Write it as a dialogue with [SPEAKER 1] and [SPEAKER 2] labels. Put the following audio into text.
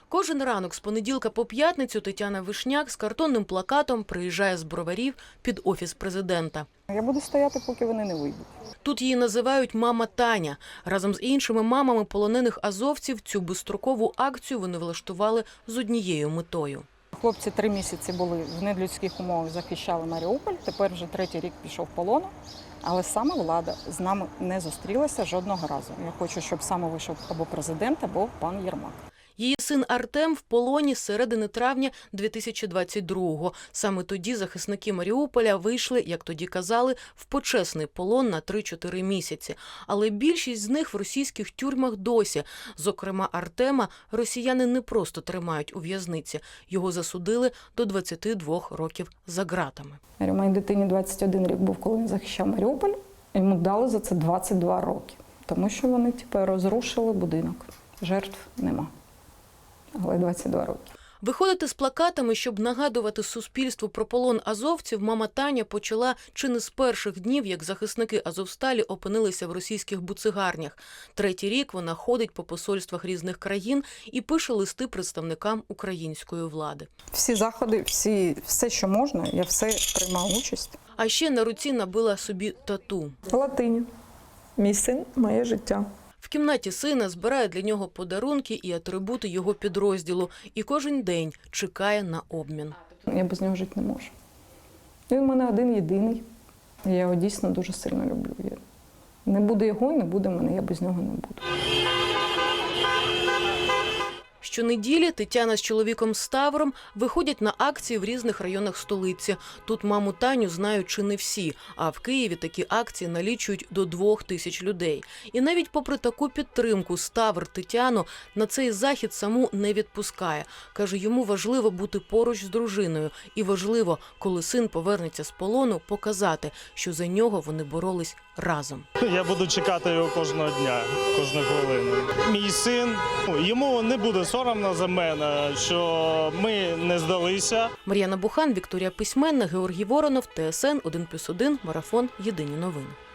[SPEAKER 1] Кожен ранок з понеділка по п'ятницю Тетяна Вишняк з картонним плакатом приїжджає з Броварів під Офіс президента.
[SPEAKER 2] Я буду стояти, поки вони не вийдуть.
[SPEAKER 1] Тут її називають «Мама Таня». Разом з іншими мамами полонених азовців цю безстрокову акцію вони влаштували з однією метою.
[SPEAKER 2] Хлопці 3 місяці були в недлюдських умовах, захищали Маріуполь, тепер вже 3-й рік пішов в полон. Але саме влада з нами не зустрілася жодного разу. Я хочу, щоб саме вийшов або президент, або пан Єрмак.
[SPEAKER 1] Її син Артем в полоні з середини травня 2022-го. Саме тоді захисники Маріуполя вийшли, як тоді казали, в почесний полон на 3-4 місяці. Але більшість з них в російських тюрмах досі. Зокрема, Артема росіяни не просто тримають у в'язниці. Його засудили до 22 років за ґратами.
[SPEAKER 2] Моїй дитині 21 рік був, коли він захищав Маріуполь. Йому дали за це 22 роки. Тому що вони розрушили будинок. Жертв нема. Але 22 роки.
[SPEAKER 1] Виходити з плакатами, щоб нагадувати суспільству про полон азовців, мама Таня почала чи не з перших днів, як захисники Азовсталі опинилися в російських буцегарнях. 3-й рік вона ходить по посольствах різних країн і пише листи представникам української влади.
[SPEAKER 2] Всі заходи, все, що можна, я все приймала участь.
[SPEAKER 1] А ще на руці набила собі тату.
[SPEAKER 2] В латині. Мій син – моє життя.
[SPEAKER 1] В кімнаті сина збирає для нього подарунки і атрибути його підрозділу. І кожен день чекає на обмін.
[SPEAKER 2] Я без нього жити не можу. Він у мене один-єдиний. Я його дійсно дуже сильно люблю. Не буде його, не буде мене, я без нього не буду.
[SPEAKER 1] Щонеділі Тетяна з чоловіком Ставром виходять на акції в різних районах столиці. Тут маму Таню знають чи не всі, а в Києві такі акції налічують до 2000 людей. І навіть попри таку підтримку Ставр Тетяну на цей захід саму не відпускає. Каже, йому важливо бути поруч з дружиною. І важливо, коли син повернеться з полону, показати, що за нього вони боролись разом.
[SPEAKER 3] Я буду чекати його кожного дня, кожну хвилину. Мій син, йому не буде соромно за мене, що ми не здалися.
[SPEAKER 1] Мар'яна Бухан, Вікторія Письменна, Георгій Воронов, ТСН 1+1, Марафон. Єдині новини.